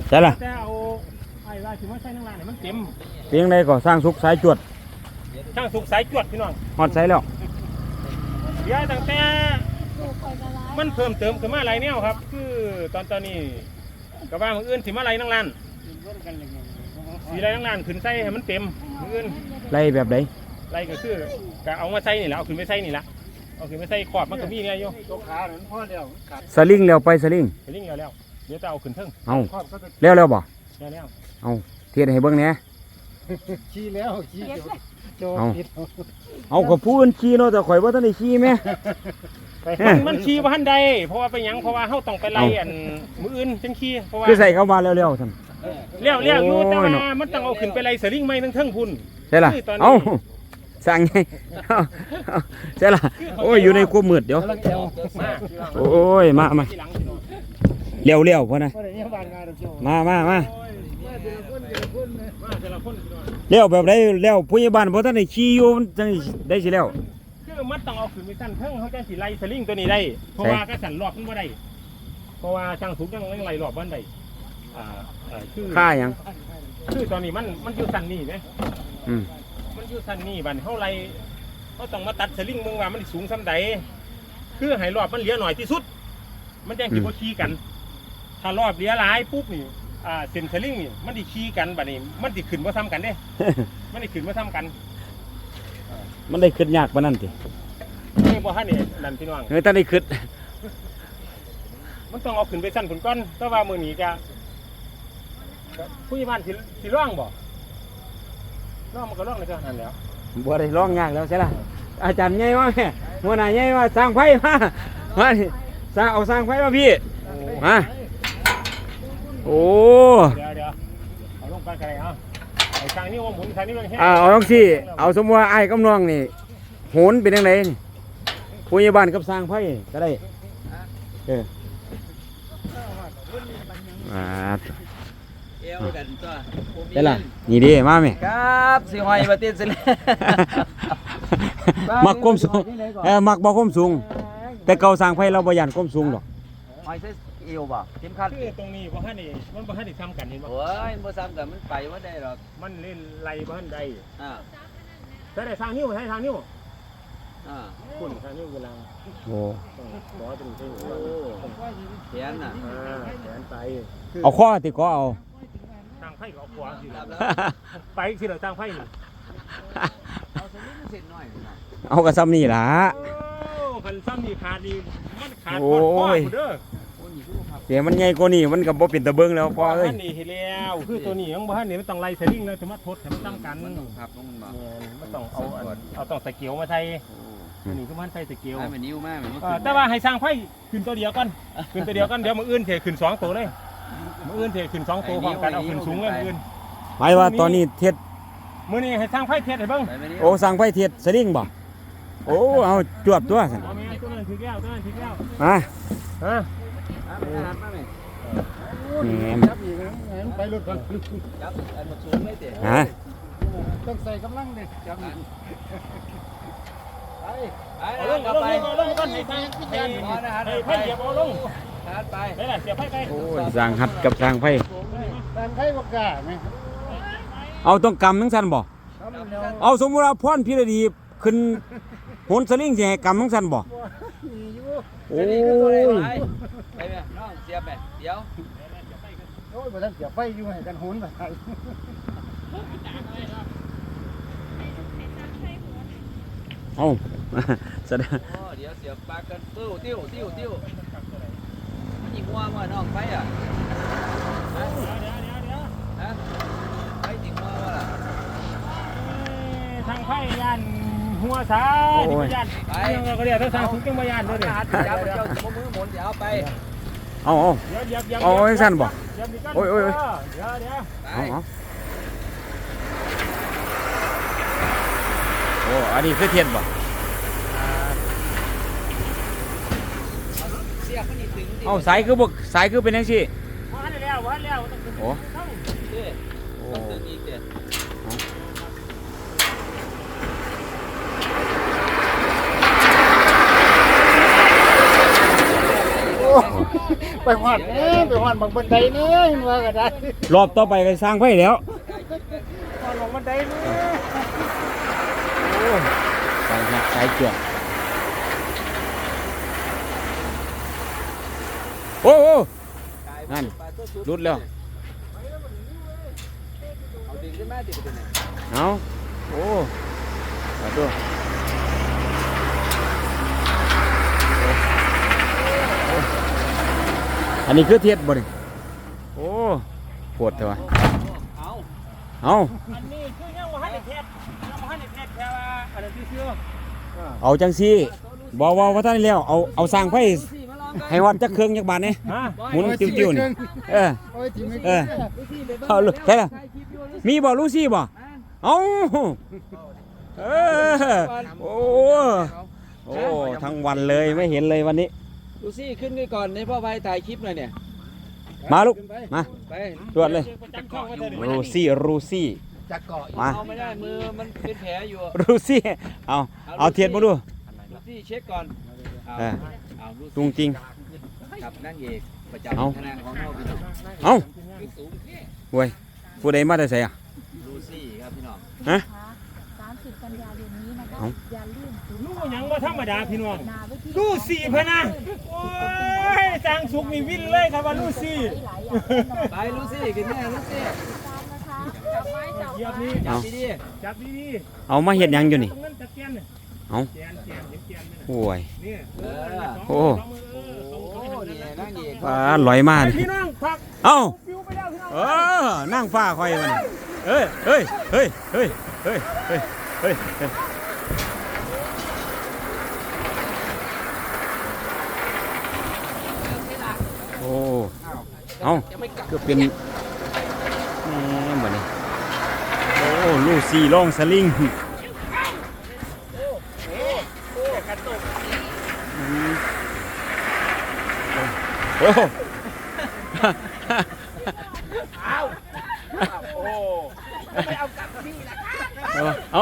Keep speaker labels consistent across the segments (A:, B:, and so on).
A: ใช่ล่ะ
B: แต่เอาไอ้ว่าถึงว่าใช้นั่งร้านเนี่ยมันเต็ม
A: เพียงใดก็สร้างสุขสายจวด
B: ช่างสุกสายจวดพี่น้อง
A: ฮอดใส่แล้ว
B: เดี๋ยวตั้งแต่มันเพิ่มเติมขึ้นมาหลายแนวครับคือตอนนี้กระว่ามืออื่นสิมาไรนั่งร้านสีไรนั่งร้านขึ้นใส่ให้มันเต็มมืออื่น
A: ไล่แบบใด
B: ไรก็คือก็เอามาใส่นี่แหละเอาขึ้นไปใส่นี่แหละเอาขึ้นไปใส่ขอบมันก็มีเนี่ยโยตัวขาหนุนพ่อเดียว
A: สลิงแล้วไปสลิง
B: เดี๋ยวจะเอาขึ้นเทิง
A: เอาแล้วบ่
B: แล้ว
A: เอาเทียดให้เบิ่งแหน่
B: ขี้แล้วขี้
A: เอาก็ผู้อื่นขี้เนาะแต่ข่อยบ่ทันได้ขี้แม่
B: มันขี้บ่ทันใดเพราะว่าไปหยังเพราะว่าเฮาต้องไปไล่อันมื้ออื่นจังขี้เพราะว่า
A: คือใส่เข้ามาแล้วๆท่าน
B: เลี้ยวอยู่แต่ว่ามันต้องเอาขึ้นไปไล่สลิงไม้ทั้งเทิงพุ่น
A: ใช่ล่ะเอาสั่งไงใช่ล่ะโอ้ยอยู่ในความมืดเดี๋ยวโอ้ยมาเลี้ยวพ่อนะมาเลี้ยวแบบไหนเลี้ยวผู้ใหญ่บ้านเพราะท่านได้ขี่อยู่จังได้สิแล้ว
B: คือมันต้องเอาขึ้นไปสั่นเทิงเขาจะสิไล่สลิงตัวนี้ได้เพราะว่าก็สั่นรอบมันบ่ได้เพราะว่าช่างถูกยังไล่รอบมันได้คือ
A: ค่ายัง
B: คือตอนนี้มันอยู่สั่นนี่ไหมมันอยู่สั่นนี่บัดเขาไล่เขาต้องมาตัดสลิงมึงว่ามันสูงซ้ำใดคือให้รอบมันเหลือหน่อยที่สุดมันแจ้งสิบ่ขี่กันถ้ารอบเหลือหลายปุ๊บนี่เส้นสลิงนี่มันดิขี่กันบัดนี้มันดิขึ้นมาซ้ำกันเด้ มันดิขึ้นมาซ้ำกัน
A: มันได้ขึ้นยากปานนั้นติ
B: นี่บ่ฮะนี่นั่นพี่น้อง
A: ท่านได้ขึ้น
B: มันต้องเอาขึ้นไปสั้นผลก้อนแต่ว่ามือนี้จะผู้ใหญ่บ้านสิร้องบ่ร้องมันก็ร้องเลยก็นั่นแล้ว
A: บ่ได้ร้องยากแล้วใช่ล่ะอาจารย์ใหญ่ว่าแม่หัวหน้าใหญ่ว่าสร้างไฟมาสร้างเอาสร้างไฟมาพี่มาโอ้
B: เดี๋ยวเอาลงไปกันเลยเอาไอ้ทางนี้ว่าหมุนทางนี้มันแห้ง
A: เอาต้องสิเอาสมมติว่าไอ้กำน้องนี่โหนเป็นยังไงผู้ใหญ่บ้านกับสร้างไฟก็ได้ได้ล่ะนี่ดิมาไหม
C: ครับสิหอยมาติดสิเลย
A: มักก้มสูงมักบ่ก้มสูงแต่เก่าสร้างไฟเราบ่ยันก้มสูงหรอก
C: หอยเส้นเอวบ่เข็มขัด
B: คือตรงนี้บ่ฮั่นนี่มันบ่ฮั่นได้ซ้ำกันเห็นบ่
C: โอ้ยบ่ซ้ำกันมันไปว่าได้หรอก
B: มันเล่นไล่บ่ฮั่นได้แต่ได้ทางนิ้วให้ทางนิ้วคุณทางนิ้วเวลา
A: โอ้
B: ขอตรงนี้
C: แขนน่ะ
B: แขนไป
A: เอาข้อติก็เอา
B: ทางไผ่ก็เอาขวาสิไปสิเหรอทางไผ่นี่
C: เอาสลิงเส้นหน่อย
A: เอากระซ้ำนี่ล่ะ
B: คันซ้ำนี่ขาดนี่มันขาดข้อเด้อ
A: เดี๋ยวมันใหญ่กว่านี่มันก็บ่เป็นตะเบิ่งแล้วพอเอ้ย
B: นี่เฮ็ดแล้วคือตัวนี้ยังบ่ทันนี่มันต้องไล่สลิงเลยถึงมาทดให้มันซ้ำกัน
C: ครับ
B: มันต้องเอาต้องสเกลมาใส่นี่คือมันใส่สเกล
C: มันนิ้วมาก
B: แต่ว่าให้สร้างไฟขึ้นตัวเดียวกันเดี๋ยวมื้ออื่นเทขึ้น2ตัวเลยมื้ออื่นเทขึ้น2ตัวพร้อมกันเอาขึ้นสูงเลยมื้ออื่น
A: หมายว่าตอนนี้เทศ
B: มื้อนี้ให้สร้างไฟเทศให้เบิ่ง
A: โอ้สร้างไฟเทศสลิงบ่โอ้เอาจวบตัวซั่น
B: ตัวนั้นถึงแล้ว
A: ฮะ
B: จับอีกไปรถก่อน
C: จับอันมาสูงเลยเด้
B: ต้องใส่กำลังดิจับ
C: ไปลงก่อนให้
B: ไฟเหยียบเอาลง
C: ไป
B: ได้ล่ะเสียบไฟไป
A: โอ้ยสร้างหัดกับสร้างไฟ
B: บ่กล้ามั้ย
A: เอาต้องกำจังซั่นบ่เอาสมมุติว่าพรพิรดีขึ้นโหนสลิงสิให้กำจังซั่นบ่โอ้ย
C: ไปแม่น้องเสียบแม่เดี๋ยว
B: โอ้ยบ่ทันเสียบไฟอยู่ให้กันโหนไป
A: เอาแสดง
C: เดี๋ยวเสียบปากกันติ้วมันยิงหัวมาน้องไปอ่ะไปยิงหัวมาล่ะ
B: ทางไฟยันหัวสายนี่ยันไปก็เดี๋ยวถ้าทางสุกจังบ่ยันเด้อเดี๋ยว
C: เจ้ามือหมุนเดี๋ยวเอาไป
A: เอาให้สั้นบ่โอ้ยเดี๋ยวโอ้อันนี้คือเทียนบ่เอาสายคือเป็นยังสิ
B: ว่าแล้ว
A: โอ้
C: ต้องอีกเด้
A: ป
D: ไปหอดไปหอดบางบันไดเนื้อว่าก็ได้
A: รอบต่อไปก็สร้างไฟแล้ว
D: หอดบางบันไดเนื้อ
A: โอ้สายหักสายจวดโอ้โอ้นั่นรุดแล้ว
C: เอาดึงขึ้นมาติดไปไหน
A: เอาโอ้มาดูอันนี้คือเทียดบ่นี่โอ้ปวดเถอะวะ
C: เอา
A: เอา
B: อันนี้คือยังบ่ทันได้เทศยังบ่ทันได้เทศแค่ว่าอันนั้นซื่อ
A: เอาจังซี่บอกว่าท่านแล้วเอาสร้างไฟ
C: ลูซี่มาลองกัน
A: ให้วัดจักเครื่องจักบาทนี่
B: ๆฮะ
A: หมุนติ้วๆนี่เออ
D: โอ้ยทีไม่
A: เออ
C: ลูซี่ไปเบิ่ง
A: เอาลูกใช่ล่ะ
C: ถ่ายคลิปอยู่ลูซี่
A: มีบ่ลูซี่บ่
C: มา
A: เอาเออโอ้โอ้ทั้งวันเลยไม่เห็นเลยวันนี้
C: ลูซี่ขึ้นไปก่อนให้พ่อไปถ่ายคลิปหน่อยเนี่ย
A: มาลูกมา
C: ไป
A: ตรวจเลย
B: ประจำช่องไว้เถอะ
A: รูซี่
D: จะเกาะ
A: มา
C: เอาไม่ได้มือมันเป็นแผลอยู่
A: รูซี่เอาเทียนมาดู
C: ลูซี่เช็คก่อนเอา
A: เออ
C: เอาลูซี่
A: ตุงจริง
C: กับนั่งเอกประ
A: เอา
C: จำคณะของเราพี่น้อง
A: เอา
C: คือสูงแค่
A: เว้ยผู้ใดมาแต่ไสอ่ะ
C: ลูซี่ครับพี่น้อง
A: ฮะ
E: 30 กันยายนนี้นะคะ
A: เอ้า
E: อย่าลืมถึง
B: รู้หยังบ่ธรรมดาพี่น้อง
E: นาไว้ที่
B: รู้สี่พะนะโอ้ยจางสุกนี่วิ่นเลยครับว่ารู้สี่
E: หลายอย่างแน่นอน
C: ไปลูซี่กันแน่ลูซี่
E: ตามนะคะจับไม้จับ
B: เหยียบนี่
C: จับดี
B: จับดี
A: เอามาเฮ็ดหยังอยู่นี่
B: ตรงนั้นตะแกนเนี่ย
A: เอา
B: แกนเห็นแกนไหมน่ะ
A: โอ้ย
B: นี่
C: ๆเออ
A: โอ้
B: สองมือ
C: โอ้นี่นั่งเอก
A: ปลาลอยมา
B: ไอ้
A: นี่
B: พี่น้องพัก
A: เอ้า
B: ฟิวไปแล้วพี่น้อง
A: เออนั่งฟ้าคอยมันเอ้ยเฮ้ยเฮ้ยเฮ้ยเฮ้ยเฮ้ยเฮ้ยเฮ้ยโอ้เอาก็เป็นแหมบัดนี้โอ้ลูซี่ล่องสลิงโอ้
B: โอ้
A: เอา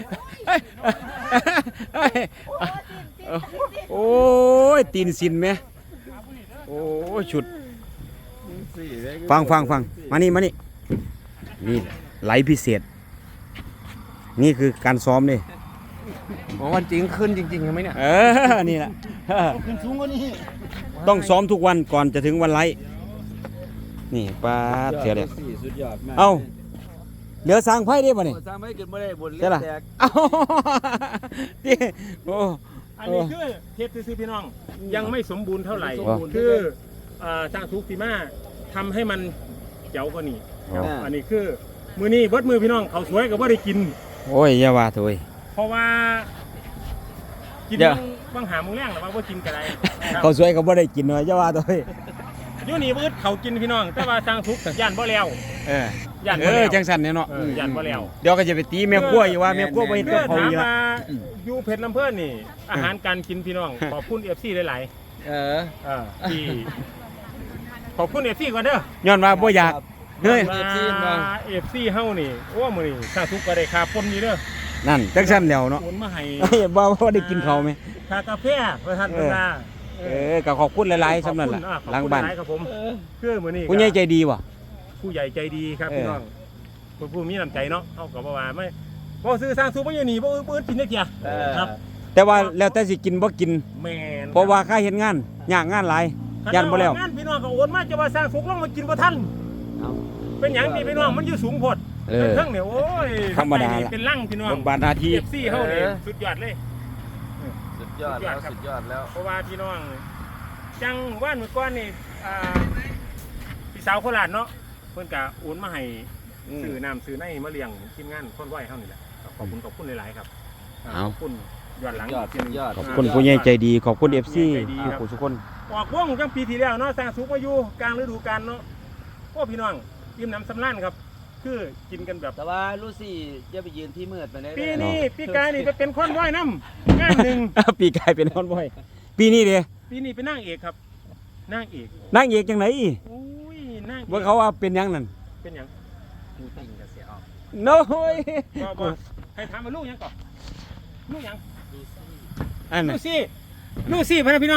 A: โอ้ยตีนสินไหมโอ้ยชุดฟังมานี่นี่ไหลพิเศษ นี่คือการซ้อมนี่
C: วันจริงขึ้นจริงๆใช่ไหมเนี่ย
A: นี่แหละ
D: ขึ้นสูงกว่านี้
A: ต้องซ้อมทุกวันก่อนจะถึงวันไลฟ์นี่ป้าดเสียเลย
C: สุดยอดมาก
A: เอ้าเหลือสร้างไพ่ได้ป่ะนี่
C: สร้างไม่เกินไม่ได้บนเล็
A: ใช่
C: ก
A: ล่ะ
C: แตก
A: เอ้าที่โอ้
B: อันนี้คือเทปซื่อๆพี่น้องยังไม่สมบูรณ์เท่าไหร่
A: สมบูรณ์
B: คือจางสุกสีมาทำให้มันเจ๋วกว่านี้ อันนี้คือมือนี้เบิดมือพี่น้องเขาสวยกับว่าได้กิน
A: โอ้ยอย่าว่าเถอะเว้ย
B: เพราะว่ากิน
A: เดี๋ยว
B: บางหาโมงแรงหรือว่ากินกันไร
A: เขาสวยก็บ่ได้กินเลยอย่าว่าเถอะเว้ย
B: อยู่นี่เบิดเขากินพี่น้อง แต่ว่าจางสุกย่านบ่แล้ว
A: เออย่
B: านบ่แล้ว
A: จังสันเนี่ยเนาะ
B: ย่านบ่แล้ว
A: เดี๋ยวก็จะไปตีแม่ครัวอยู่ว่าแม่ครัวบ่เฮ็ด
B: เพื่
A: กั
B: อบ
A: เขา
B: ถาม
A: อีกละ
B: มาอยู่เพชรลำเพิ่นนี่ อาหารการกินพี่น้องขอบคุณเอฟซีหลาย
C: เออ
B: ๆที่ขอบคุณเอฟซีก่อนเด้อ
A: ย้อนว่าบ่อยากเฮ้ย
C: เอฟซีมา
B: เอฟซีเฮานี่โอ้มื้อนี้จางสุกก็ได้ค่าปนนี่เด้อ
A: นั่นจังสันแล้วเนาะ
B: โอนมาให้
A: เฮ้ยบ่ได้กินเขาวไหม
B: ค่ากาแฟเพื่อท่านเพิ่นว่า
A: ก็ขอบคุณหลายๆสำนั้นล่ะ
B: ขอบคุณ
A: หลังบ้าน
B: หลายๆครับผมคือมื้อนี้
A: ผู้ใหญ่ใจดีว่ะ
B: ผู้ใหญ่ใจดีครับ
A: เออ
B: พี่น้องผู้มีน้ำใจเนาะเฮาก็บ่ว่าไม่บ่ซื้อสร้างสุกบ่อยู่นี่บ่อื่นกินได้เกียครับ
A: แต่ว่าแล้วแต่สิกินบ่กิน
B: แม่น
A: เพราะว่าค่าเฮ็ดงานยากงานหลายยันบ่แล้ว
B: งานพี่น้องก็โอนมาจะว่าสร้างสุกลงมากินบ่ทัน
A: เอา
B: เป็นหยังนี่พี่น้องมันอยู่สูงโพด
A: เออ
B: เครื่องเนี่ยโอ้ย
A: ธรรมดาล่ะ
B: เป็นลั่งพี่น้อง
A: บทบาทหน้าที่
B: FC เฮานี่สุดยอดเลย
C: สุดยอดแล้วสุดยอดแล้ว
B: เพราะว่าพี่น้องจังว่านเมื่อก่อนนี่พี่สาวโคราชเนาะเพิ่นก็โอนมาให้ซื้อน้ำซื้อในมาเลี้ยงทีมงานคนไหวเฮานี่แหละขอบคุณหลายๆครับขอบคุณย้อนหลัง
C: สุดยอด
A: ขอบคุณผู้ใหญ่ใจดีขอบคุณ FC
B: ใจดีครับ
A: ทุกคน
B: ออกวงจังปีที่แล้วเนาะสร้างสุขมาอยู่กลางฤดูกาลเนาะโอ้พี่น้องอิ่มน้ำสำราญครับ คือกินกันแบบ
C: แต่ว่าลูซี่จะไปยืนที่มืดไปได้
B: ปีนี้ปีกายนี่ไปเป็นคนไหวน้ำงานหนึ่ง
A: ปีกายเป็นนอนบ่อยปีนี้เด้
B: ปีนี้เป็นนางเอกครับนางเอก
A: นางเอกจังไหน
B: โอ้ยนางอก
A: ว่าเขาว่าเป็นหยังนั่น
B: เป็นหยัง
C: ดูติ่งกับเสียออก
A: โน้ย
B: บ่ให้ถามมาลูกหยังก่อนลูกหยัง
A: อัน
B: ลู
A: น่ะ
B: ซี่ลูซี่พะนะพี่น้อง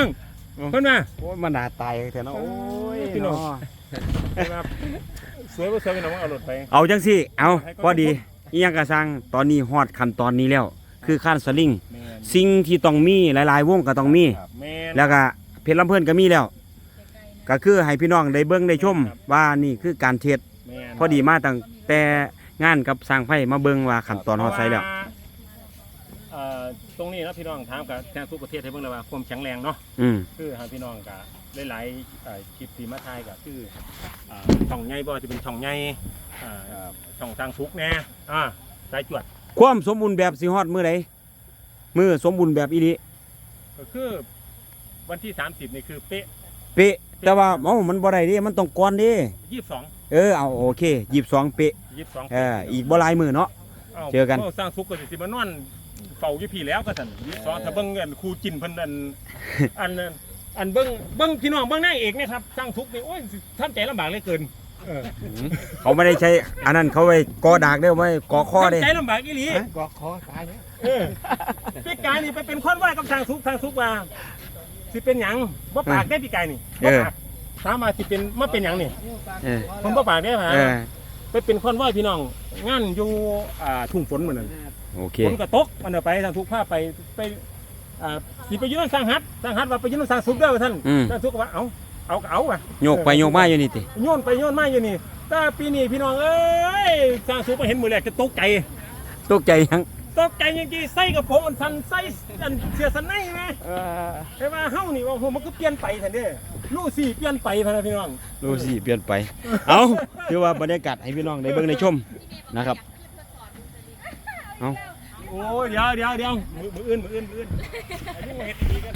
B: เพิ่นมา
A: โอ้ยมันน่าตายแท้เนาะโอ้ย
B: พี่น้อง
A: เนาะ
B: เพิ่นมาสวยบ่สวยพี่น้องเอารถไป
A: เอาจังสิเอาพอดีอีหยังก็สร้างตอนนี้ฮอดขั้นตอนนี้แล้ว คือขั้นสลิง
B: แม่น
A: สิ่งที่ต้องมีหลายๆวงก็ต้องมี
B: ครับแม่น
A: แล้วก็เพชรลำเพิ่นก็มีแล้ว ก็คือให้พี่น้องได้เบิ่งได้ชมว่านี่คือการเทศ
B: แม่น
A: พอดีมาตั้งแต่งานกับสร้างไฟมาเบิ่งว่าขั้นตอนฮอดไซแล้ว
B: ตรงนี้นะพี่น้องถามกับแทนทุกประเทศให้เบิ่งเลยว่าความแข็งแรงเนาะ
A: อืม
B: คือหาพี่น้องกับหลายๆคลิปที่มาถ่ายก็คือช่องใหญ่บ่จะเป็นช่องใหญ่ช่องทางฟุกแน่สายจวด
A: ความสมบูรณ์แบบสิฮอดมื้อใดมื้อสมบูรณ์แบบอีหลี
B: ก็คือวันที่ 30นี่คือเป๊ะ
A: เป๊ะแต่ว่ามันบ่ได้เด้มันต้องก่อนเด้
B: 22
A: เอาโอเค22เป๊ะ
B: 22
A: อีกบ่หลายมื้อเนาะ เจอกัน
B: สร้างฟุกก็สิมานอนเฝ้าอยู่พี่แล้วก็สั่น22ถ้าเบิ่งเงินครูจินเพิ่นอันเบิ่งพี่น้องเบิ่งนางเอกนะครับสร้างฟุกนี่โอ้ยทำใจลำบากเหลือเกิน
A: เขาไม่ได้ใช้อันนั้นเขาไว้กอดากเด้อไว้กอข้อเด้
B: ทำใจลำบากอีหลี
D: กอคอตายแล้ว
B: พี่กายนี่ไปเป็นคนว่ากับทางทุกว่าสิเป็นหยังบ่ปากได้พี่กายนี่บ่ปากถามมาสิเป็นมาเป็นหยังนี่
A: เออ
B: ผมบ่ปากได้ฮะ
A: เออ
B: ไปเป็นคนว่าพี่น้องงานอยู่ทุ่งฝนเหมือนนั้น
A: โอเค
B: ฝนก็ตกมันเอาไปทางทุกภาพไปสิไปยืนสร้างฮัดว่าไปยืนสร้างสุกเด้อท่าน
A: อืม
B: สร้างสุกก็ว่าเอาว่ะ
A: โยกไปโยกมาอยู่นี่ติ
B: โยนไปโยนมาอยู่นี่แต่ปีนี้พี่น้องเอ้ยสร้างสุกมาเห็นมือแรกจะตกใจ
A: ตกใจยัง
B: ตกใจจริงๆใส่กับผมมันสันใส่อันเสียสันในไหมแต่ว่าเฮ้านี่ว่าโหมันก็เปลี่ยนไปทันเด้ลูกสี่เปลี่ยนไปพะนะพี่น้อง
A: ดูสิเปลี่ยนไป เอาถือว่าบรรยากาศให้พี่น้องได้เบิ่งได้ชมนะครับ เอา
B: โอ้ยเดี๋ยวมืออื่นอันนี้มาเฮ็ดดีกัน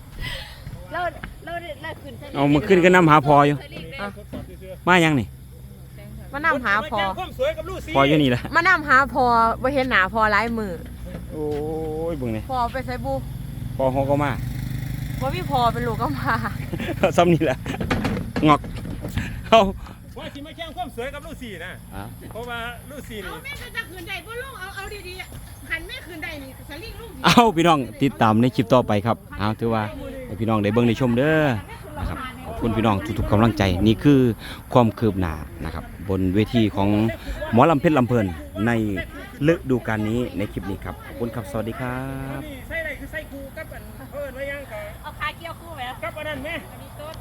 E: เราขึ้นสลิง
A: เอามาขึ้นก็นำหาพออยู่
B: ทดสอบซื่อ
A: มายังนี่
E: มานำหาพอ
B: แจ้งความสวยกับลูกสี่
A: พออยู่นี่ละ
E: มานำหาพอบ่เห็นหน้าพอหลายมือ
A: โอ้ยเบิ่งนี่
E: พอไปใส่บุ
A: พอฮอก็มา
E: บ่มีพอเป็นลูกก็มา
A: ซ้ำนี่แหละงอกเอา
B: ว่าสิมาแจ้งความสวยกับลูกสี่นะ
A: อ่ะ
B: เพราะว่าลูกสี่นี่
F: เอาแม่จะคืนใดบ่ลุงเอาดีๆหันแม่คืนใดนี่สลิงลุง
A: เอาพี่น้องติดตามในคลิปต่อไปครับเอาถือว่าให้พี่น้องได้เบิ่งได้ชมเด้อนะครับขอบคุณพี่น้องทุกๆกำลังใจนี่คือความคืบหน้านะครับ บนเวทีของหมอลำเพชรลำเพลินในฤดูกาลนี้ในคลิปนี้ครับขอบคุณครับสวัสดีครับ
B: นี่ใส่อะไรคือใส่คูกับอันเพิ่นไว้ยังกับ
F: เอาขาเกี่ยวคู่ไหม
B: กับอันนั้นไหม
F: อันนี้โต๊ด